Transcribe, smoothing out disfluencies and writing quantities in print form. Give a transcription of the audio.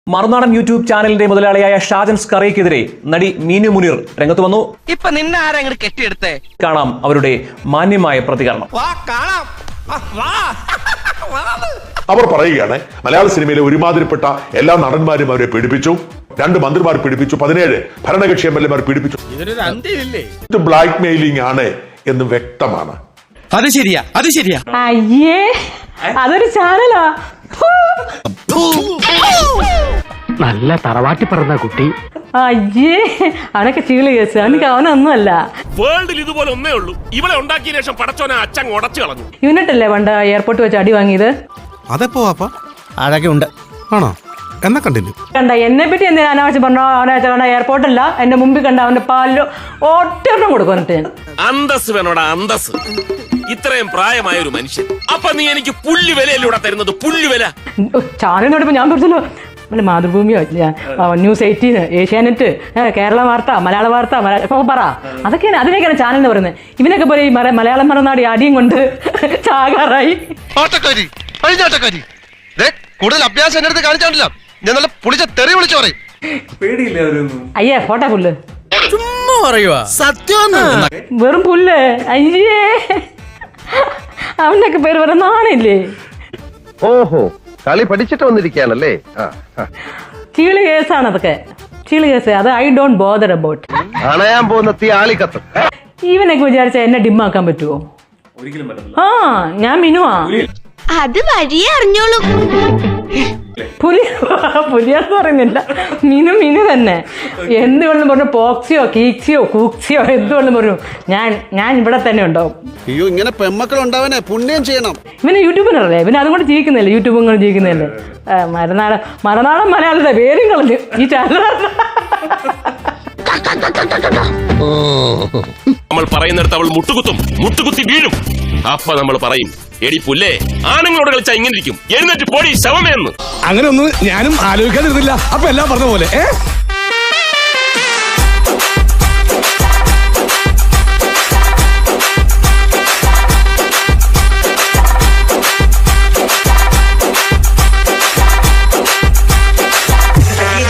മറുനാടൻ YouTube ചാനലിന്റെ മുതലാളിയായ ഷാജൻ സ്കറിയക്കെതിരെ നടി മീനു മുനീർ രംഗത്ത് വന്നു. ഇപ്പൊ നിന്നെ ആരെങ്കിലും കെട്ടിയെടുത്തേ? കാണാം അവരുടെ മാന്യമായ പ്രതികരണം. അവർ പറയുകയാണ് മലയാള സിനിമയിലെ ഒരുമാതിരിപ്പെട്ട എല്ലാ നടന്മാരും അവരെ പീഡിപ്പിച്ചു, 2 മന്ത്രിമാർ പീഡിപ്പിച്ചു, 17 ഭരണകക്ഷി എംഎൽഎമാർ പീഡിപ്പിച്ചു. ഇത് ബ്ലാക്ക് മെയിലിംഗ് ആണ് എന്ന് വ്യക്തമാണ്. അത് ശരിയാ. അയ്യേ, അതൊരു ചാനലാ. നല്ല തറവാട്ടി പറഞ്ഞ കുട്ടി. അയ്യേ, അവനൊക്കെ ചീള് കേസ്. അവനൊന്നുമല്ല. വേൾഡിൽ ഇതുപോലെ ഒന്നേ ഉള്ളൂ. ഇവളെ ഉണ്ടാക്കിയ ശേഷം പടച്ചോനെ അച്ഛൻ ഉടച്ചു കളഞ്ഞു. യൂണിറ്റല്ലേ പണ്ട് എയർപോർട്ട് വെച്ച് അടി വാങ്ങിയത്? അതെപ്പോ വാപ്പ? അഴകെ ഉണ്ട് ആണോ? എന്നാ കണ്ടിന്യൂ. കണ്ട എന്നെ പറ്റി എന്തിനാ അനാവശ്യം പറഞ്ഞോ? അവനെ എയർപോർട്ടല്ല, എന്റെ മുമ്പിൽ കണ്ട അവന്റെ പാലിലോ ഒറ്റ കൊടുക്കും. എന്നിട്ട് അന്തസ് വേണോടാ, അന്തസ്. ഇത്രയും പ്രായമായ ഒരു മനുഷ്യൻ, അപ്പൊ നീ എനിക്ക് പുല്ല് വിലയല്ലൂടെ തരുന്നത്? പുല്ല് വില ചാനൽ നോടിപ്പോ ഞാൻ പറഞ്ഞല്ലോ, മാതൃഭൂമിയോ ന്യൂസ് 18, ഏഷ്യാനെറ്റ്, കേരള വാർത്ത, മലയാള വാർത്ത, ഇപ്പൊ പറ. അതൊക്കെയാണ്, അതിനൊക്കെയാണ് ചാനൽ എന്ന് പറയുന്നത്. ഇവനൊക്കെ പോലെ ഈ മലയാളം മറന്നാടി അടിയും കൊണ്ട് ചാകാറായി. കൂടുതൽ അഭ്യാസം എന്റെ അടുത്ത് കാണിച്ചാണ്ടില്ല. ഞാൻ നല്ല പുളിച്ച തെറി വിളിച്ചു പറയും. അയ്യേ, ഫോട്ടോ പുല്ല്. ചുമ്മാ പറയുവാ. സത്യം വെറും പുല്ല്. അയ്യേ, അവനൊക്കെ പേര് വരെ നാണില്ലേ? ഓഹോ, കളി പഠിച്ചിട്ട് വന്നിരിക്കുകയാണല്ലേ. ചീള് കേസാണ് അതൊക്കെ, ചീള് കേസ്. അത് ഐ ഡോണ്ട് ബോദർ അബൌട്ട്. അണയാൻ പോകുന്ന തീ ആളിക്കത്തും. ഇവനൊക്കെ വിചാരിച്ച എന്നെ ഡിമ്മാക്കാൻ പറ്റുമോ? ആ, ഞാൻ മിനുവാ. അത് വഴിയേ അറിഞ്ഞോളൂ. പുലിയാന്ന് പറയുന്നില്ല, മിനു തന്നെ. എന്ത് വേണം പറഞ്ഞു, പോക്സിയോ കീക്സിയോ കൂക്സിയോ എന്ത് വേണം പറഞ്ഞു, ഞാൻ ഇവിടെ തന്നെ ഉണ്ടാവും. അയ്യോ, ഇങ്ങനെ പെമ്മക്കൾ ഉണ്ടാവാനേ പുണ്യം ചെയ്യണം. ഇവന് യൂട്യൂബിനല്ലേ, ഇവന് അതുകൊണ്ട് ജീവിക്കുന്നില്ലേ, യൂട്യൂബും കൊണ്ട് ജീവിക്കുന്നില്ലേ. മറുനാടൻ മലയാളത്തെ പേരും കളഞ്ഞു ഈ ചാനൽ. നമ്മൾ പറയുന്നിടത്ത് അവൾ മുട്ടുകുത്തി വീഴും. അപ്പൊ നമ്മൾ പറയും, എടി പുല്ലേ, ആണുങ്ങളോട് കളിച്ചാ ഇങ്ങനെ ഇരിക്കും, എഴുന്നേറ്റ് പോടി ശവമേന്ന്. അങ്ങനെ ഒന്നും ഞാനും ആലോചിക്കാതിരുന്നില്ല. അപ്പൊ എല്ലാം പറഞ്ഞ പോലെ